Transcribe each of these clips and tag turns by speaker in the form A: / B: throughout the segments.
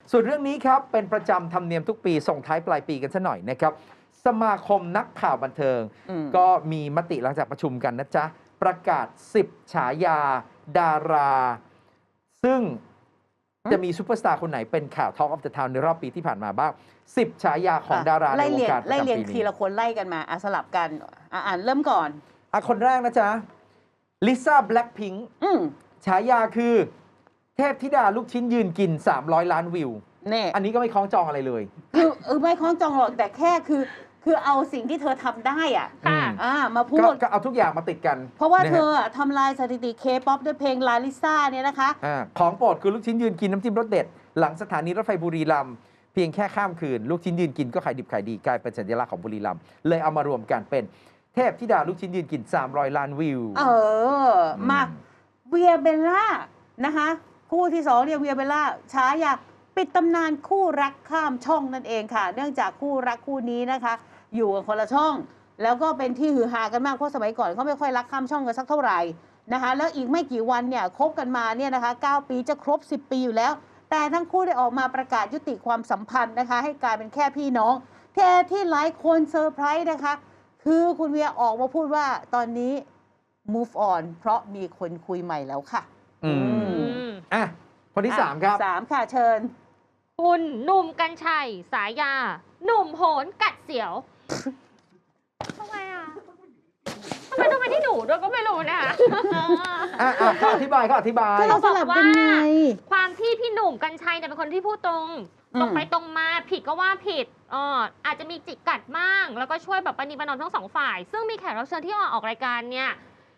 A: ส่วนเรื่องนี้ครับเป็นประจำธรรมเนียมทุกปีส่งท้ายปลายปีกันซะหน่อยนะครับสมาคมนักข่าวบันเทิงก็มีมติหลังจากประชุมกันนะจ๊ะประกาศ10ฉายาดารา ซึ่งจะมีซูเปอร์สตาร์คนไหนเป็นข่าว Talk of the Town ในรอบปีที่ผ่านมาบ้าง10ฉายาของดาราในวงการประจำปีนี้ไล่เรียง
B: ทีละคนไล่กันมาสลับกันอ่านเริ่มก่อน
A: คนแรกนะจ๊ะลิซ่าแบล็คพิงค์ฉายาคือเทพธิดาลูกชิ้นยืนกิน300 ล้านวิวอันนี้ก็ไม่คล้องจองอะไรเลย
B: คือไม่คล้องจองหรอกแต่แค่คือเอาสิ่งที่เธอทำได้มาพูด
A: ก็เอาทุกอย่างมาติดกัน
B: เพราะว่าเธอทำลายสถิติเคป๊อปด้วยเพลงลาลิซ่าเนี่ยนะคะ
A: ของโปรดคือลูกชิ้นยืนกินน้ำจิ้มรสเด็ดหลังสถานีรถไฟบุรีรัมย์เพียงแค่ข้ามคืนลูกชิ้นยืนกินก็ขายดิบขายดีกลายเป็นสัญลักษณ์ของบุรีรัมย์เลยเอามารวมกันเป็นเทพธิดาลูกชิ้นยืนกิน300 ล้านวิว
B: มาเวียเบลล่านะคะคู่ที่2เนี่ยเวียเบลล่าฉายาปิดตำนานคู่รักข้ามช่องนั่นเองค่ะเนื่องจากคู่รักคู่นี้นะคะอยู่กันคนละช่องแล้วก็เป็นที่ฮือฮากันมากเพราะสมัยก่อนเขาไม่ค่อยรักข้ามช่องกันสักเท่าไหร่นะคะแล้วอีกไม่กี่วันเนี่ยคบกันมาเนี่ยนะคะ9 ปีจะครบ10 ปีอยู่แล้วแต่ทั้งคู่ได้ออกมาประกาศยุติความสัมพันธ์นะคะให้กลายเป็นแค่พี่น้องแค่ที่หลายคนเซอร์ไพรส์นะคะคือคุณเวียออกมาพูดว่าตอนนี้ move on เพราะมีคนคุยใหม่แล้วค่ะ
A: คนที่3ครับ
B: 3ค่ะเชิญ
C: คุณหนุ่มกรรชัยสายาหนุ่มโหนกัดเสียวทำไมต้องมาที่หนูด้วยก็ไม่รู้นะคะ
A: เขาอธิบาย
C: เขาบอกว่าความที่พี่หนุ่มกรรชัยเนี่ยเป็นคนที่พูดตรงไปตรงมาผิดก็ว่าผิดอาจจะมีจิกกัดบ้างแล้วก็ช่วยแบบปณีประนอมทั้ง2 ฝ่ายซึ่งมีแขกรับเชิญที่ออกรายการเนี่ย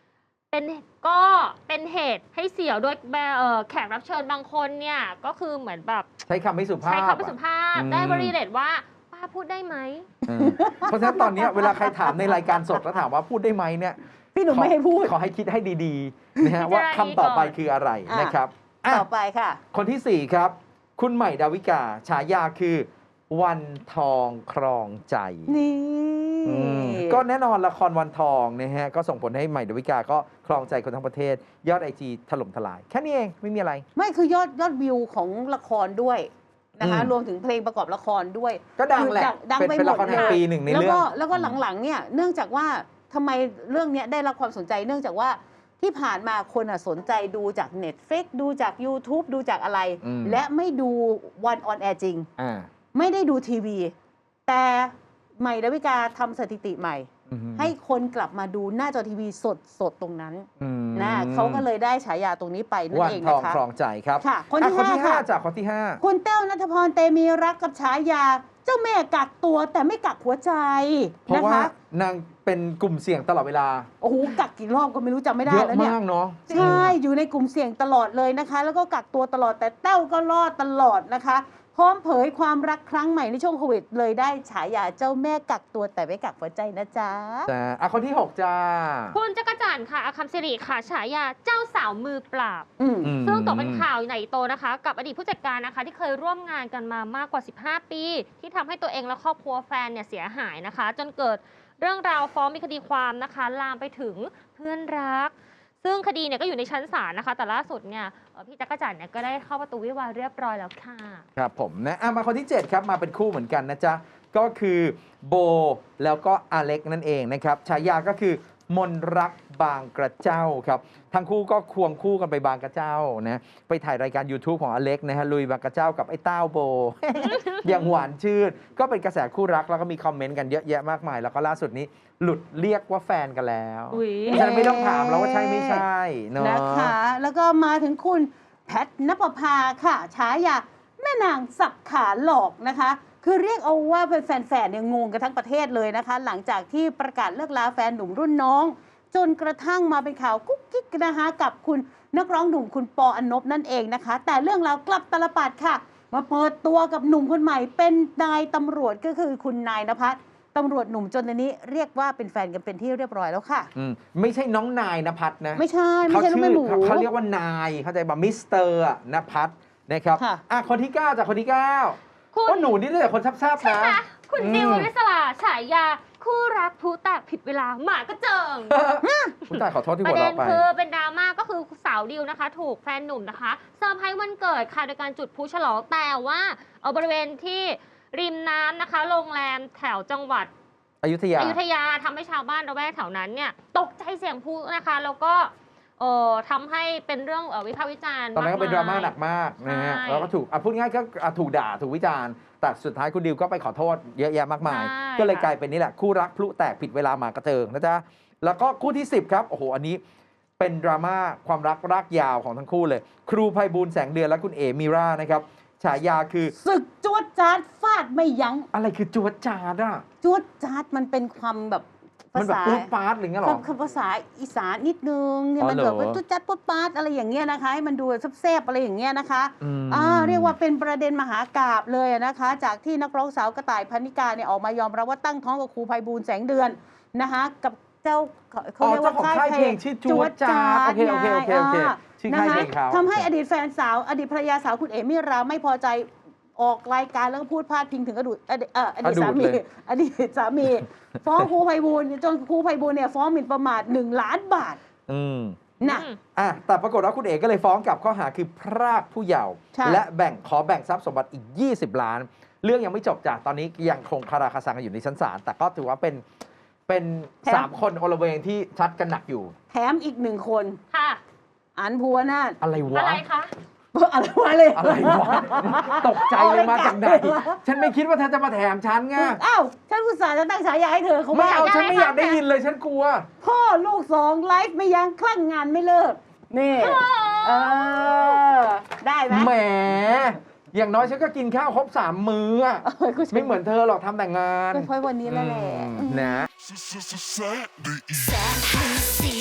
C: เป็นเหตุให้เสียวโดยแขกรับเชิญบางคนเนี่ยก็คือเหมือนแบบ
A: ใช้คำไม่สุภาพ
C: ได้บริเรตว่าป้าพูดได้ไหม
A: เพราะฉะนั้นตอนนี้เวลาใครถามในรายการสดแล้วถามว่าพูดได้ไหมเนี่ย
B: พี่หนุ่มไม่ให้พูด
A: ขอให้คิดให้ดีๆนะฮะว่าคำต่อไปคืออะไรนะครับ
B: ต่อไปค่ะ
A: คนที่4ครับคุณใหม่ดาวิกาฉายาคือวันทองครองใจ
B: นี่
A: ก็แน่นอนละครวันทองนะฮะก็ส่งผลให้ใหม่ดาวิกาก็ครองใจคนทั้งประเทศยอด IG ถล่มทลายแค่นี้เองไม่มีอะไร
B: ไม่คือยอดวิวของละครด้วยนะคะรวมถึงเพลงประกอบละครด้วย
A: ก็ดังแหละ
B: ดังไปหมด
A: เลยปีหนึ่งในเรื่อง
B: แล้วก็หลังๆเนี่ยเนื่องจากว่าทำไมเรื่องนี้ได้รับความสนใจเนื่องจากว่าที่ผ่านมาคนสนใจดูจาก Netflix ดูจาก YouTube ดูจากอะไรและไม่ดูวันออนแอร์จริงไม่ได้ดูทีวีแต่ใหม่ดาวิกาทำสถิติใหม่ให้คนกลับมาดูหน้าจอทีวีสดตรงนั้นนะเขาก็เลยได้ฉายาตรงนี้ไปนั่นเองนะคะ
A: วันทองครองใจครับ
B: คนที่
A: 5จากคนที่5
B: คุณแต้วณัฐพรเตมีรักกับฉายาเจ้าแม่กักตัวแต่ไม่กักหัวใจ
A: เพราะว่านางเป็นกลุ่มเสี่ยงตลอดเวลา
B: โอ้โหกักกี่รอบก็ไม่รู้จำไม่ได้แล้วเนี่ย
A: เยอะมากเนาะ
B: ใช่อยู่ในกลุ่มเสี่ยงตลอดเลยนะคะแล้วก็กักตัวตลอดแต่แต้วก็รอดตลอดนะคะพร้อมเผยความรักครั้งใหม่ในช่วงโควิดเลยได้ฉายาเจ้าแม่กักตัวแต่ไม่กักหัวใจนะจ๊ะ
A: คนที่6จ้า
C: คุณจักรจันทร์ค่ะอาคัมสิริค่ะฉายาเจ้าสาวมือปราบซึ่งตกเป็นข่าวใหญ่โตนะคะกับอดีตผู้จัดการนะคะที่เคยร่วมงานกันมามากกว่า15 ปีที่ทำให้ตัวเองและครอบครัวแฟนเนี่ยเสียหายนะคะจนเกิดเรื่องราวฟ้องมีคดีความนะคะลามไปถึงเพื่อนรักซึ่งคดีเนี่ยก็อยู่ในชั้นศาลนะคะแต่ล่าสุดเนี่ยพี่จักรจันทร์เนี่ยก็ได้เข้าประตูวิวาห์เรียบร้อยแล้วค่ะ
A: ครับผมนะมาคนที่7ครับมาเป็นคู่เหมือนกันนะจ๊ะก็คือโบแล้วก็อเล็กนั่นเองนะครับฉายาก็คือมนรักบางกระเจ้าครับทั้งคู่ก็ควงคู่กันไปบางกระเจ้านะไปถ่ายรายการ YouTube ของอเล็กนะฮะลุยบางกระเจ้ากับไอ้เต้าโบ อย่างหวานชื่นก็เป็นกระแสคู่รักแล้วก็มีคอมเมนต์กันเยอะแยะมากมายแล้วก็ล่าสุดนี้หลุดเรียกว่าแฟนกันแล้วฉะนั้นไม่ต้องถามแล้วว่าใช่ไม่ใช่เนาะ
B: นะคะแล้วก็มาถึงคุณแพทณปภาค่ะฉายาแม่นางสับขาหลอกนะคะคือเรียกเอาว่าเป็นแฟนๆเนี่ยงงกันทั้งประเทศเลยนะคะหลังจากที่ประกาศเลิกลาแฟนหนุ่มรุ่นน้องจนกระทั่งมาเป็นข่าวกุ๊กกิ๊กนะคะกับคุณนักร้องหนุ่มคุณปออนนบนั่นเองนะคะแต่เรื่องราวกลับตลปัดค่ะมาเปิดตัวกับหนุ่มคนใหม่เป็นนายตำรวจก็คือคุณนายณภัทรตำรวจหนุ่มจนตอนนี้เรียกว่าเป็นแฟนกันเป็นที่เรียบร้อยแล้วค่ะ
A: ไม่ใช่น้องนายณภัทรนะ
B: ไม่ใช่ลูกแม่หมู
A: เขาเรียกว่านายเข้าใจป่ะมิสเตอร์ณภัทรนะครับคนที่9จากคนที่9ก็หนูนี่เลยคนแซ่บๆนะ
C: คุณดิวอริสลาฉายาคู่รักผู้แตกผิดเวลาหมาก็เจิง
A: ผู้ตายขอโทษที่หั
C: ว
A: เราะไป
C: ประเด็นคือเป็นดราม่าก็คือสาวดิวนะคะ ถูกแฟนหนุ่มนะคะเซอร์ไพรส์วันเกิดค่ะโดยการจุดพลุฉลองแต่ว่าบริเวณที่ริมน้ำนะคะโรงแรมแถวจังหวัด
A: อยุธยา
C: ทำให้ชาวบ้านระแวกแถวนั้นเนี่ยตกใจเสียงพลุนะคะแล้วก็ทำให้เป็นเรื่องวิพากษ์วิจารณ์
A: ตอนนั้นก็เป็นดราม่าหนัก
C: ม
A: มากนะฮะ
C: ใช่
A: แล้วก็ถูกพูดง่ายก็ถูกด่าถูกวิจารณ์แต่สุดท้ายคุณดิวก็ไปขอโทษเยอะแยะมากมาย
C: ใช่
A: ก็เลย
C: ค่ะ
A: กลายเป็นนี่แหละคู่รักพลุแตกผิดเวลามากระเจิงนะจ๊ะแล้วก็คู่ที่ 10 ครับโอ้โหอันนี้เป็นดราม่าความรักรากยาวของทั้งคู่เลย ครูไพบูลย์แสงเดือนและคุณเอมิรานะครับฉายาคือ
B: ศึกจวดจาดฟาดไม่ยั้ง
A: อะไรคือจวดจาดอ่ะ
B: จวดจาดมันเป็นความแบบ
A: มันแบบปูดปาดหรือไงหรอ
B: คำภาษาอีสานนิดนึงเนี่ย
A: อ๋อ
B: มันแบบ
A: เหรอ
B: ว่าจุดจัดปุ๊บปาดอะไรอย่างเงี้ยนะคะให้มันดูแซ่บๆอะไรอย่างเงี้ยนะคะ
A: อืม
B: เรียกว่าเป็นประเด็นมหากาพย์เลยนะคะ จากที่นักร้องสาวกระต่ายพันนิกาเนี่ยออกมายอมรับว่าตั้งท้องกับครูไพบูลย์แสงเดือนนะคะกับเจ้าเขาเรียกว่า
A: เจ้าของค่ายเพลงชื่อจวดจาดโอเคชื่อค่ายเพลงเขา
B: ทำให้อดีตแฟนสาวอดีตภรรยาสาวคุณเอมิราไม่พอใจออกรายการแล้วก็พูดพาดพิงถึงอดีตสามีอดีตสามี ฟ้องครูไพบูลย์จนครูไพบูลย์เนี่ยฟ้องหมิ่นประมาท1 ล้านบาท
A: อืม
B: นะ
A: แต่ปรากฏว่าคุณเอกก็เลยฟ้องกลับข้อหาคือพรากผู้เยาว์
B: ใช่
A: และขอแบ่งทรัพย์สมบัติอีก 20 ล้าน เรื่องยังไม่จบจ้ะตอนนี้ยังคงคาราคาซังกันอยู่ในชั้นศาลแต่ก็ถือว่าเป็น3 คนโอละเวงที่ชัดกันหนักอยู่
B: แถมอีก1 คน
C: ค่ะ
B: อันพัวนาถ
A: อะไร
C: อะ
A: วะ
C: ไรคะ
B: อะไรวะเลย
A: อะไรวะ ตกใจเลยมาจากไหน ฉันไม่คิดว่าเธอจะมาแถมฉันไง
B: อ้าวฉันอุตส่าห์จะตั้งฉายาให้เธอเขา
A: ไม่เอา
C: ได้
A: ฉันไม่อยากได้ยินเลยฉันกลัว
B: พ่อลูก2ไลฟ์ไม่ยั้งคลั่งงานไม่เลิกนี่ได้ไหม
A: แหม อย่างน้อยฉันก็กินข้าวครบ3 มื้ออะ
B: กู
A: ไม่เหมือนเธอหรอกทำแต่งงาน
B: ค่อยๆวันนี้แล้วแหละ
A: นะ
D: Saturday.